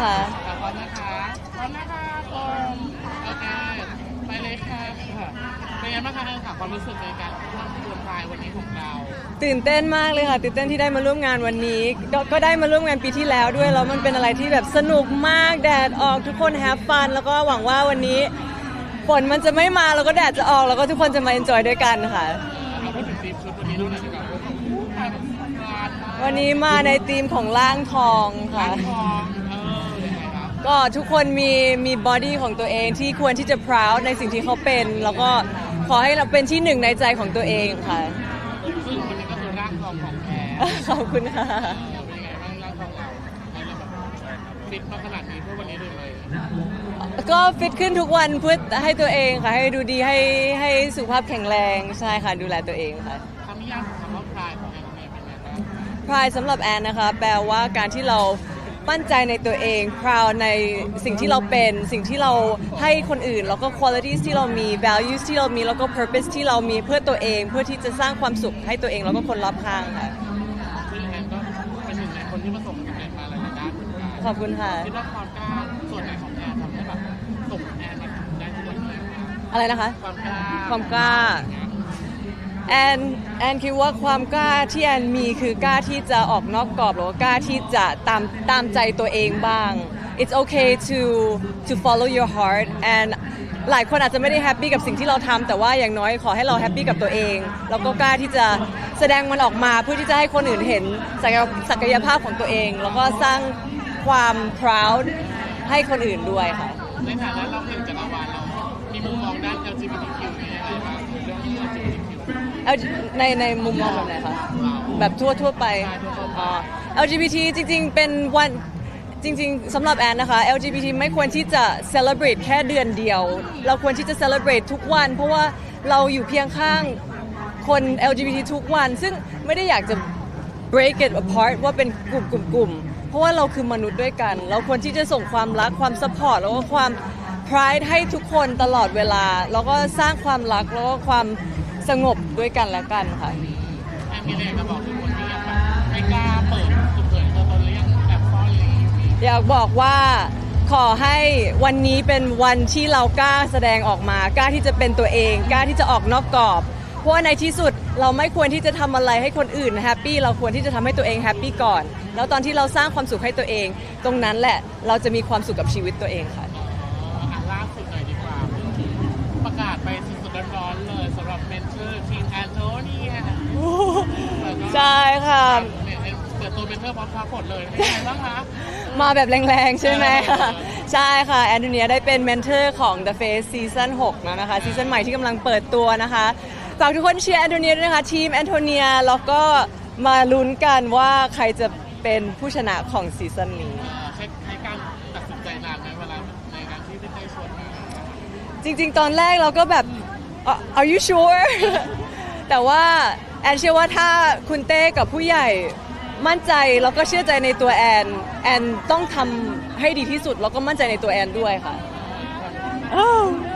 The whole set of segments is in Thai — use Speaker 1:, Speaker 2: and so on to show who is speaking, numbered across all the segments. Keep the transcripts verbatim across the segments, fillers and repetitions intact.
Speaker 1: ค่ะ
Speaker 2: ขอบคุณนะคะขอบคุณนะคะคนโอเคไปเลยค่ะเป็นไงบ้างคะค่ะความรู้สึกในการร่วมรวมพายวันนี้ของเรา
Speaker 1: ตื่นเต้นมากเลยค่ะตื่นเต้นที่ได้มาร่วมงานวันนี้ก็ก็ได้มาร่วมงานปีที่แล้วด้วยแล้วมันเป็นอะไรที่แบบสนุกมากแดดออกทุกคนแฮปฟันแล้วก็หวังว่าวันนี้ฝนมันจะไม่มาแล้วก็แดดจะออกแล้วก็ทุกคนจะมาเอนจอยด้วยกันค่ะ
Speaker 2: เราพูดถึงทีมชุดวันนี้เราหน่อยดีกว่าพายแบบสงกรานต์
Speaker 1: วันนี้มาในธีมของร่างทองค่ะ
Speaker 2: ทองเออยังไงครับ
Speaker 1: ก็ทุกคนมีมีบอดี้ของตัวเองที่ควรที่จะ proud ในสิ่งที่เขาเป็น แล้วก็ขอให้เราเป็นที่หนึ่งในใจของตัวเองค่ะ
Speaker 2: ซึ่งวันนี้ก็คือร่างทองของแท้
Speaker 1: ขอบคุณค่ะ
Speaker 2: เป็นยังไงบ้างร่างทองเราให้เราแบบฟิตมาขนาดนี้เพื่อวันนี้เลย
Speaker 1: ก็ฟิตขึ้นทุกวันเพื่อให้ตัวเองค่ะให้ดูดีให้ให้สุขภาพแข็งแรงใช่ค่ะดูแลตัวเองค่ะ
Speaker 2: คำนิยามของคำว่าพรายของแอนเนี่ยเป็นไงบ้าง
Speaker 1: pride สำหรับแอนนะคะแปลว่าการที่เรามั่นใจในตัวเอง proud ในสิ่งที่เราเป็นสิ่งที่เราให้คนอื่นแล้วก็ qualities ที่เรามี values ที่เรามีแล้วก็ purpose ที่เรามีเพื่อตัวเองเพื่อที่จะสร้างความสุขให้ตัวเองแล้วก็คนรอบข้างค่ะ
Speaker 2: ซึ่งแอนก็เป็นหนึ่งในคนที่ประสบความสำเร็จมาหลายๆด้านเหมือนกัน
Speaker 1: ขอบคุณค่ะ
Speaker 2: คิดว่าความกล้าส่วนไหนของแอนทำให้แบบส่งแอนมาถึงได้ทุกวันนี้ครับ
Speaker 1: อะไรนะคะ
Speaker 2: ความกล้า
Speaker 1: ความกล้า แอนแอนคิดว่าความกล้าที่แอนมีคือกล้าที่จะออกนอกกรอบหรือว่ากล้าที่จะตามตามใจตัวเองบ้าง It's okay to to follow your heart and หลายคนอาจจะไม่ได้แฮปปี้กับสิ่งที่เราทำแต่ว่าอย่างน้อยขอให้เราแฮปปี้กับตัวเองแล้วก็กล้าที่จะแสดงมันออกมาเพื่อที่จะให้คนอื่นเห็นศักยศักยภาพของตัวเอง แล้วก็สร้างความ proud ให้คนอื่นด้วยค่ะ
Speaker 2: ในฐานะเราเป็นจักรวาลเรามีมุมมองด้าน แอล จี บี ที คิว นี่ยังไงบ้างเรื่อง แอล จี บี ที คิว
Speaker 1: เอาในในมุมมองแบบไหนคะแบบทั่วทั่วๆไปอ๋อ แอล จี บี ที จริงๆ เป็นวันจริงๆสำหรับแอนนะคะ แอล จี บี ที ไม่ควรที่จะ celebrate แค่เดือนเดียว เราควรที่จะ celebrate ทุกวัน เพราะว่าเราอยู่เพียงข้างคน แอล จี บี ที ทุกวัน ซึ่งไม่ได้อยากจะ break it apart ว่าเป็นกลุ่มกลุ่มกลุ่มเพราะว่าเราคือมนุษย์ด้วยกัน เราควรที่จะส่งความรักความ support แล้วก็ความ pride ให้ทุกคนตลอดเวลา แล้วก็สร้างความรักแล้วก็ความสงบด้วยกันและกันค่ะ
Speaker 2: แอนมีอะไรจะบอกทุกคนที่ยังแบบไม่กล้าเปิดเผยตัวตนหรือยังแอบซ่อนอะไรอย่างนี้
Speaker 1: อยากบอกว่าขอให้วันนี้เป็นวันที่เรากล้าแสดงออกมากล้าที่จะเป็นตัวเองกล้าที่จะออกนอกกรอบเพราะว่าในที่สุดเราไม่ควรที่จะทำอะไรให้คนอื่นแฮปปี้เราควรที่จะทำให้ตัวเองแฮปปี้ก่อนแล้วตอนที่เราสร้างความสุขให้ตัวเอง ตรงนั้นแหละเราจะมีความสุขกับชีวิตตัวเองค่ะ
Speaker 2: อ่ะล่าสุดหน่อยดีกว่าเพิ่งประกาศไปสดๆร้อนๆเลยสำหรับเมนเทอร์ทีมแอนโทเนีย
Speaker 1: ใช่ค่ะ
Speaker 2: เปิดตัวเมนเทอร์พร้อมพาผลเลยเป็นไงบ้างคะ
Speaker 1: มาแบบแรงๆ ใช่ไหม ใช่ค่ะ แอนโทเนียได้เป็นเมนเทอร์ของ The Face ซีซั่นหกแล้วนะคะซีซั่นใหม่ที่กำลังเปิดตัวนะคะฝากทุกคนเชียร์แอนโทเนียด้วยนะคะทีมแอนโทเนียแล้วก็มาลุ้นกันว่าใครจะเป็นผู้ชนะของซีซั่นนี้
Speaker 2: ใช้ใช้การตัดสินใจนานไหมเวลาในการที่ได้ชวนมา
Speaker 1: จริงๆ ตอนแรกเราก็แบบ are you sure แต่ว่าแอนเชื่อว่าถ้าคุณเต้กับผู้ใหญ่มั่นใจแล้วก็เชื่อใจในตัวแอนแอนต้องทำให้ดีที่สุดแล้วก็มั่นใจในตัวแอนด้วยค่ะอ้าว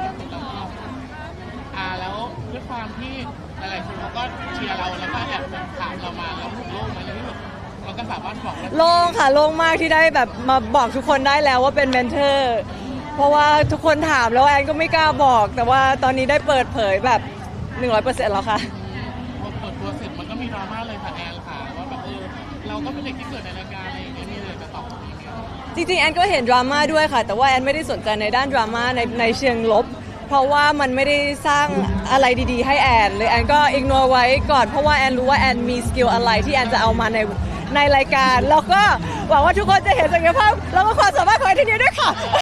Speaker 2: อ่าแล้วด้วยความที่หลายๆคนเขาก็เชียร์เราแล้วก็แอบถามเรามาแล้วถูกโลกมาในที่สุดเราก็สามารถบอกได้
Speaker 1: โล่งค่ะโล่งมากที่ได้แบบมาบอกทุกคนได้แล้วว่าเป็นเมนเทอร์เพราะว่าทุกคนถามแล้วแอนก็ไม่กล้าบอก แต่ว่าตอนนี้ได้เปิดเผยแบบ หนึ่งร้อยเปอร์เซ็นต์ แล้วค่ะ
Speaker 2: พอเปิดตัวเสร็จมันก็มีดราม่าเลยค่ะแอนค่ะว่าแบบเออเราก็เป็นเด็กที่เกิดในรายการอะไรอย่างเงี้ยนี่เลยจะตอบอย่างเงี้ย
Speaker 1: จริงๆแอนก็เห็นดราม่าด้วยค่ะ แต่ว่าแอนไม่ได้สนใจในด้านดราม่าในในเชิงลบ เพราะว่ามันไม่ได้สร้างอะไรดีๆให้แอนเลยแอนก็อิกนอร์ไว้ก่อนเพราะว่าแอนรู้ว่าแอนมีสกิลอะไรที่แอนจะเอามาในในรายการแล้วก็หวังว่าทุกคนจะเห็นศักยภาพแล้วก็ความสามารถของแอนทีนี้ด้วยค่ะ